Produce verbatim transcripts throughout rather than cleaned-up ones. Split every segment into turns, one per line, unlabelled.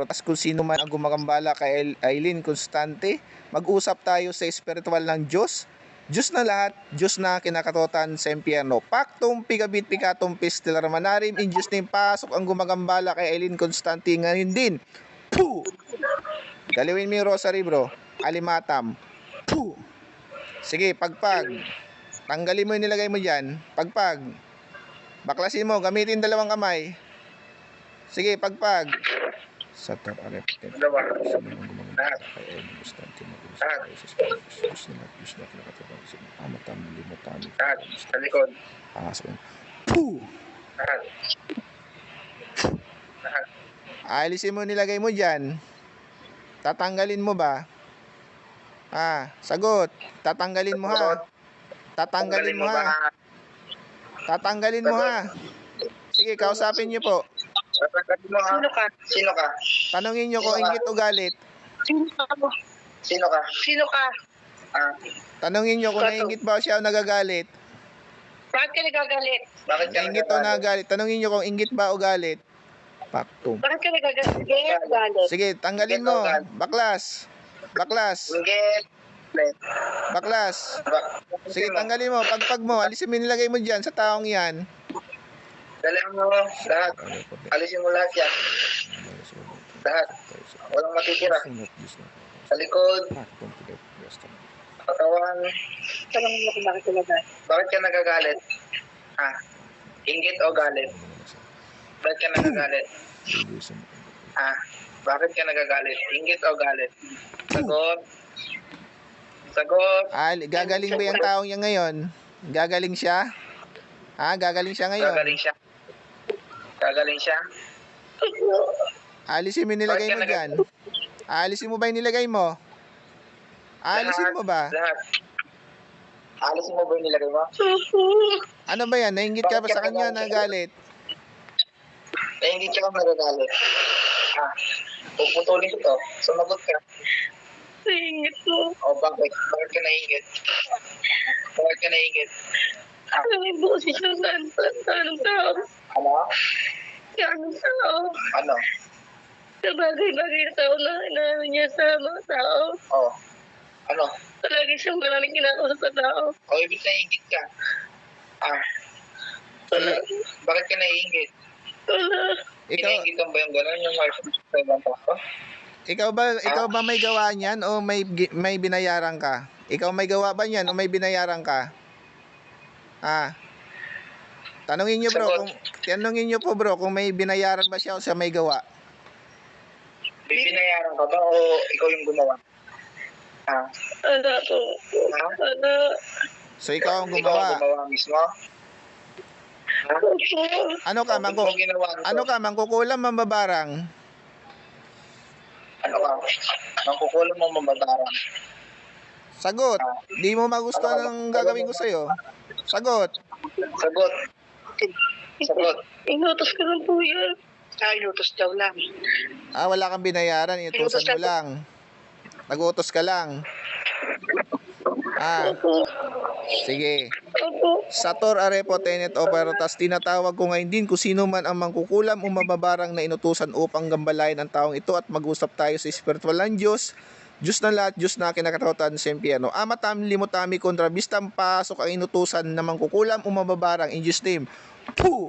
tas kung sino man ang gumagambala kay Aileen Constante. Mag-usap tayo sa espiritual ng Diyos. Diyos na lahat, Diyos na kinakatotan sa impyerno. Pactum pigabit picatum pistilar manarim. In Diyos name, pasok ang gumagambala kay Aileen Constante ngayon din. Puh! Galawin mo yung rosary, bro. Alimatam. Puh! Sige, pagpag. Tanggalin mo yung nilagay mo dyan. Pagpag. Baklasin mo, gamitin dalawang kamay. Sige, pagpag. Satar areptet.
Dalawa.
Sino ang gumagambala kay Aileen Constante mag-usap tayo sa espiritual. Diyos na lahat, Diyos na kinakatotan sa impyerno. Amatam, limatam.
Lahat. Sa likod.
Pangasok yun. Puh!
Lahat. Lahat.
Aalisin mo nilagay mo dyan. Tatanggalin mo ba? Ah, sagot. Tatanggalin mo ha. Tatanggalin mo ha. Tatanggalin mo ha. Sige, kausapin niyo po.
Tatanggalin mo ha. Sino ka? Sino ka?
Tanungin niyo kung inggit o galit.
Sino ka? Sino ka? Sino ka? Ah.
Tanungin niyo kung nainggit ba siya o nagagalit.
Bakit ka nagagalit? Bakit ka
Nainggit o nagagalit. Tanungin niyo kung inggit ba o galit. Paktum.
Bakit ka nagagalit? Galit.
Sige, tanggalin mo. Baklas. Baklas.
Inggit.
Baklas. Sige, tanggalin mo. Pagpag mo. Alisin mo nilagay mo dyan sa taong yan.
Dalihan mo lahat. Alisin mo lahat yan. Lahat. Walang matitira. Sa likod. Katawan. Tanong mo kung bakit ka nagagalit. Bakit ka nagagalit? Ah. Inggit o galit? Bakit ka nagagalit? Ah. Bakit ka nagagalit? Inggit o galit? Sagot. Sagot.
Ah, gagaling ba yung taong yan ngayon? Gagaling siya? Ah, gagaling siya ngayon?
Gagaling siya. Gagaling siya.
Alisin mo yung nilagay mo dyan. Alisin mo ba yung nilagay mo? Alisin mo ba?
Lahat. Alisin mo ba yung nilagay mo?
Ano ba yan? Nainggit ka ba sa kanya na galit?
Nainggit ka ba nagagalit? Ah, puputulin ko to. Sumagot ka.
Nainggit mo.
O bakit? Bakit ka nainggit? Bakit ka nainggit? Ah,
Alam mo yung boses ng anong tao.
ano?
Anong tao.
Ano?
Sa bagay-bagay na tao na inaano niya sa mga tao.
Oh. Ano?
Palagi siyang maraming kinakausap sa tao.
O ibig nainggit ka? Ah,
Wala.
bakit ka nainggit?
Wala.
Ikaw,
Pinaingitan ba yung gano'n yung market sa ibang tao?
ikaw ba, ikaw ba may gawa niyan o may gi- may binayaran ka? Ikaw may gawa ba niyan o may binayaran ka? Ah. Tanungin niyo bro,
Sagot.
kung tanungin niyo po bro kung may binayaran ba siya o siya may gawa.
Binayaran ka ba o ikaw yung gumawa? Ah,
Wala po.
ha?
Wala.
So ikaw ang
Ikaw ang
gumawa.
gumawa mismo? Ha?
Opo.
Ano ka,
Bakit
mangku
mo ginawa nito?
ano ka, mangkukulam, mambabarang?
Ano ka? Mangkukulam mo mababarang.
Sagot. Di mo magustuhan ang gagawin ko sa'yo. Sagot.
Sagot. Sagot.
Inutos ko lang po yan.
Ah, inutos daw lang.
Ah, wala kang binayaran, inutusan mo lang. Nag-utos ka lang. Ah,
Opo.
sige.
Opo.
Sator arepo tenet operatas, tinatawag ko ngayon din kung sino man ang mangkukulam o mababarang na inutusan upang gambalain ang taong ito at mag-usap tayo sa espiritual ng Diyos. Diyos na lahat, Diyos na kinakatotan sa impyerno. Amatam limutami kontra bistam, pasok ang inutusan na mangkukulam o mababarang in Jesus name. Puh!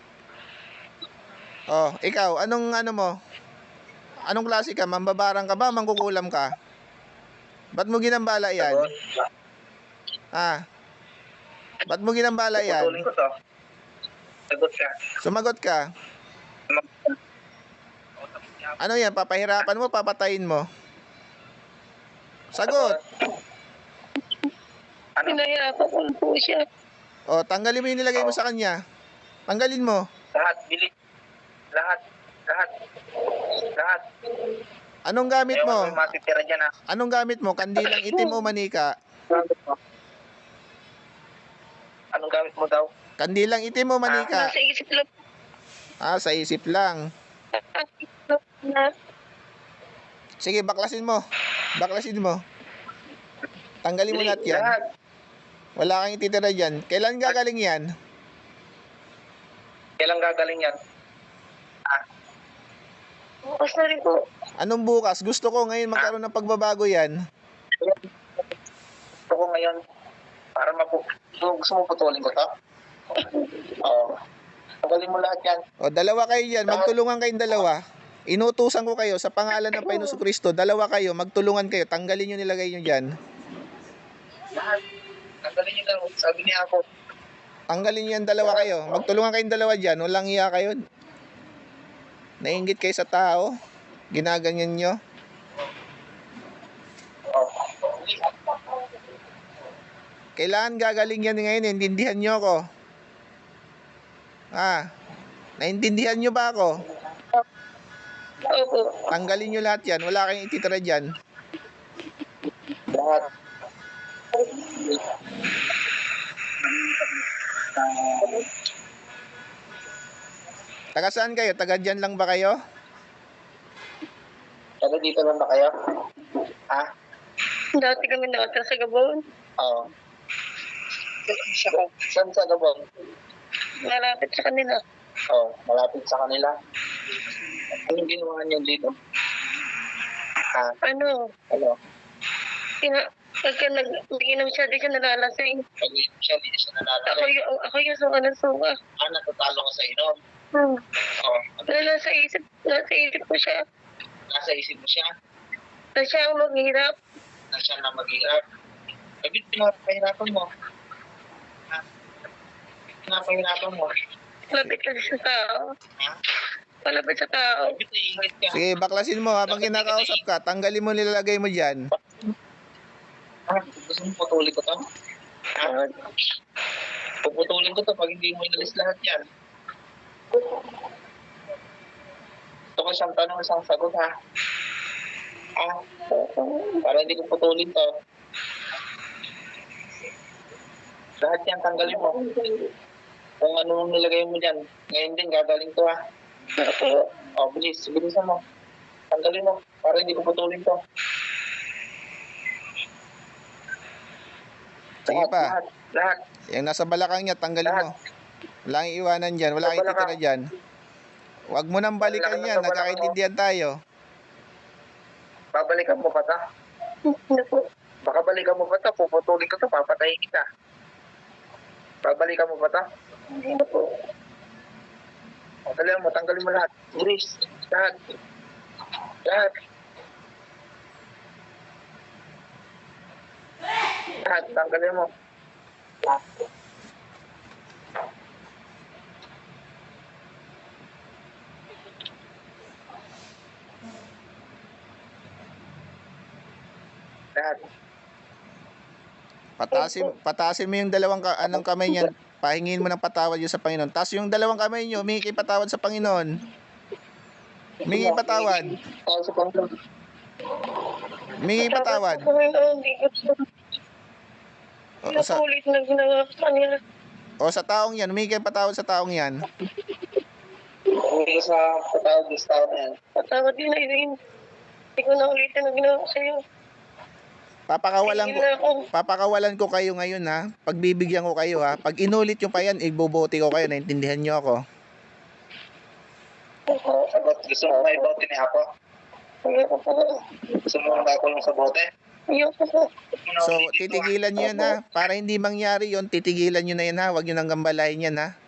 Oh, ikaw, anong ano mo? Anong klase ka? Mambabarang ka ba? Mangkukulam ka? Ba't mo ginambala yan?
Sagot.
Ah. Ba't mo ginambala yan?
Putulin ko to. Sagot ka.
Sumagot ka. Ano yan? Papahirapan mo? Papatayin mo? Sagot.
Ano?
Pinayako ko po siya.
O, tanggalin mo yung nilagay mo sa kanya. Tanggalin mo.
Lahat, bilis. Lahat. Lahat. Lahat.
Anong gamit
Ewan
mo?
mo yung matitira dyan, ha?
Anong gamit mo? Kandilang itim o manika?
Gamit mo. Anong gamit mo daw?
Kandilang itim o manika?
Nasa isip lang.
Ah, sa isip lang.
Na.
Sige, baklasin mo. Baklasin mo. Tanggalin mo lahat yan.
Lahat.
Wala kang ititira dyan. Kailan gagaling yan?
Kailan gagaling yan? Ah,
Bukas na rin po.
Anong bukas? Gusto ko ngayon magkaroon ng pagbabago yan.
Gusto ko ngayon, para mapu... Gusto gusto mo putulin ko to? Oo. Tanggalin mo lahat yan.
O, dalawa kayo dyan. Magtulungan kayong dalawa. Inutusan ko kayo sa pangalan ng Panginoon Kristo. Dalawa kayo. Magtulungan kayo. Tanggalin nyo, nilagay nyo dyan.
Lahat. Tanggalin niyo daw. Sabi niya ako.
Tanggalin nyo yan, dalawa kayo. Magtulungan kayong dalawa dyan. Walang iya kayo. Nainggit kayo sa tao. Ginaganyan nyo.
Oh.
Kailangan gagaling yan ngayon. Naintindihan nyo ako. Ah, naintindihan nyo ba ako?
Opo.
Tanggalin nyo lahat yan. Wala kayong ititira dyan.
Lahat.
Taga saan kayo? Taga dyan lang ba kayo?
Taga dito lang ba kayo? Ha?
Dati kami nakatira sa Gabon.
Oo. Saan sa Gabon?
Malapit sa kanila.
Oo, malapit sa kanila. Anong ginawa niyo dito? Ha?
Ano?
Ano?
Ina, pagka nag, nag-inom siya, di siya nalalasing.
Pag siya, hindi siya
Ako
nalalaki.
yung, ako yung suka ng suka.
Ah, natatalo ko sa inom.
Hmm.
Oo.
Pero nasa isip, nasa isip ko siya.
Nasa isip mo siya
Na siya ang maghirap.
na siya na mag-iap. Bakit pinapahirapan mo? Ha? Pinapahirapan mo?
Malapit kasi sa tao.
Ha?
Malapit sa tao.
Bakit naiingit ka?
Sige, baklasin mo habang kinakausap ka. Tanggalin mo, nilalagay mo dyan.
Ha? Gusto mo putulin ko to? Ha? Puputulin ko to pag hindi mo inalis lahat yan. Gusto ko isang tanong, isang sagot ha. Ha? Para hindi ko putulin to. Lahat yan tanggalin mo. Kung ano nilagay mo dyan. Ngayon din gagaling to ha. O, bilis. Bilisan mo. Tanggalin mo. Para hindi ko putulin to.
Sige pa.
Lahat. Lahat.
Yung nasa balakang niya, tanggalin mo. Wala kang iwanan dyan. Wala kang ititira dyan. Huwag mo nang balikan yan. Nagkakaintindihan tayo.
Babalikan mo pa ta?
Ano po?
Baka balikan mo pa ta. Puputulin ko to. Papatayin kita. Babalikan mo pa ta?
Ano po?
O, dali mo. Tanggalin mo lahat. Iris. Lahat. Lahat. Lahat. Tanggalin mo. Lahat.
Patasin, patasin mo yung dalawang ka, anong kamay niyan. Pahingin mo ng patawad yun sa Panginoon. Tapos yung dalawang kamay niyo, humingi kayo patawad sa Panginoon. Humingi patawad.
O, sa Panginoon.
Humingi patawad.
Tapos kami, oh, hindi ko
O, sa,
nakulit na ginawa ko sa kanila.
o sa taong yan, humingi kayo patawad sa taong yan.
Hindi ka sa patawad ng tao na yan.
Patawad din na yun. Hindi ko na ulitin na ginawa ko sa'yo.
Papakawalan ko,
Tingin na ako.
papakawalan ko kayo ngayon ha. Pagbibigyan ko kayo ha. Pag inulit nyo pa yan, ibobote ko kayo. Naintindihan nyo ako.
Opo.
Sagot, gusto mo may bote ni Apo?
Ayoko po.
Gusto mo makulong sa bote?
Ayoko po.
So, titigilan nyo yan ha. Para hindi mangyari yon, titigilan nyo na yan ha. Huwag nyo nang gambalain yan ha.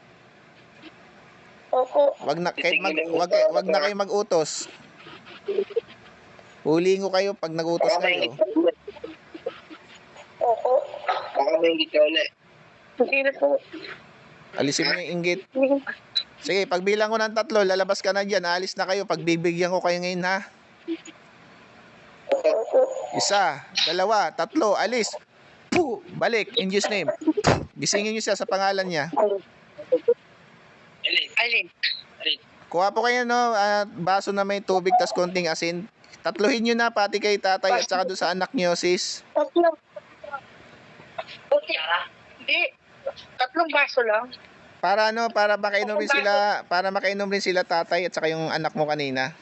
Opo.
Wag na, kahit mag, wag, wag na kayo mag-utos. Huliin ko kayo pag nag-utos
Baka may
kayo.
ingit ka ulit.
Opo.
Baka may ingit ka ulit.
Hindi na po.
Alisin mo yung inggit.
Hindi.
Sige, pagbilang ko ng tatlo, lalabas ka na dyan. Aalis na kayo. Pagbibigyan ko kayo ngayon ha.
Opo.
Isa, dalawa, tatlo, alis. Puh, balik, in Jesus name. Gisingin nyo siya sa pangalan niya.
Alin?
Alin?
Alin?
Kuha po kayo no, ah, baso na may tubig tas konting asin. Tatluhin nyo na pati kay tatay at saka doon sa anak nyo, sis.
Tatlo. Okay. Hindi. Tatlong baso lang.
Para ano, para makainom rin sila, para makainom rin sila tatay at saka yung anak mo kanina.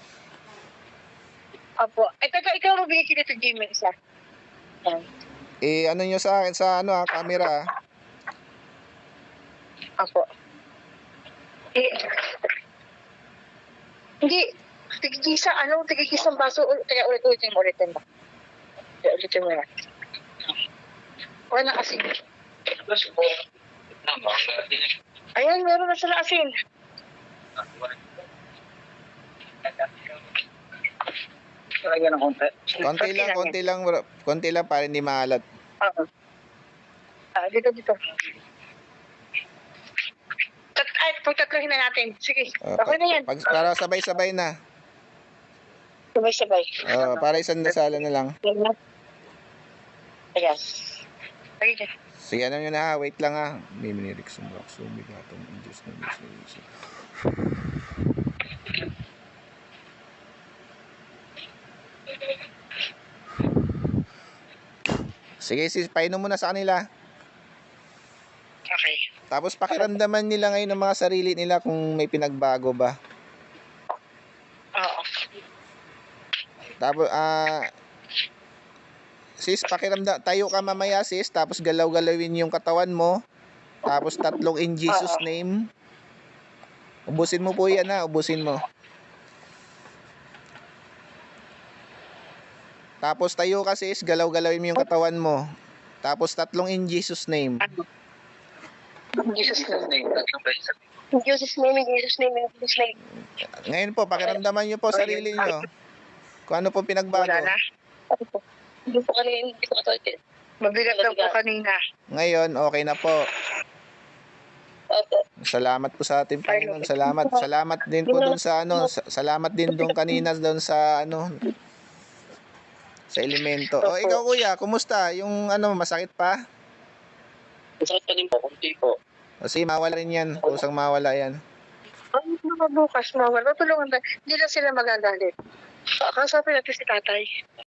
Opo. Ay, taga, ikaw mabili sila sa gym isa. Yan.
Eh, ano nyo sa akin, sa ano, ah, camera. ah.
Opo. Eh, hindi. Sige, tigigisa, ano, tigigisa ng baso. Ul- Teka, ulit-ulitin mo, ulitin mo. Teka, ulitin mo yan. Wala na asin. Ayan, meron na sila asin.
Lagyan ng konti.
Konti lang, konti lang, bro. Konti lang para hindi maalat.
Oo. Ah, dito, dito. Tat ay, pagtatlohin na natin. Sige,
Uh,
okay na yan.
Pag, para sabay-sabay na.
Sabay-sabay.
Uh, para isang dasala na lang.
Yan na. Ayan. Lagi dyan.
Sige, ano nyo na ha. Wait lang ha. May minirik sumbak. Sumigatong. Diyos na Diyos na Diyos na. Sige, sis, painom mo na sa kanila.
Okay.
Tapos pakiramdaman nila ngayon ng mga sarili nila kung may pinagbago ba.
Oo.
Tapos, ah... sis, pakiramdam, tayo ka mamaya sis, tapos galaw-galawin yung katawan mo. Tapos tatlong in Jesus
Oo.
name. Ubusin mo po yan ha, ubusin mo. Tapos tayo ka sis, galaw-galawin mo yung katawan mo. Tapos tatlong in Jesus name.
Ano? In Jesus name. In Jesus name, in Jesus name, in Jesus name.
Ngayon po, pakiramdaman nyo po sarili nyo. Kung ano po pinagbago.
Wala na. Ano po? Hindi po kanina, hindi po ito. Mabigat lang po kanina.
Ngayon, okay na po.
Opo.
Salamat po sa ating Panginoon. Salamat. Salamat din po doon sa ano, sa- salamat din doon kanina doon sa ano sa elemento. O ikaw kuya, kumusta? Yung ano, masakit pa?
Masakit pa din po, kunti po.
Kasi mawala rin yan. Kusang mawala yan.
Ang mga bukas, mawala. Tulungan tayo. Hindi na sila magagalit. Kasapin natin si tatay.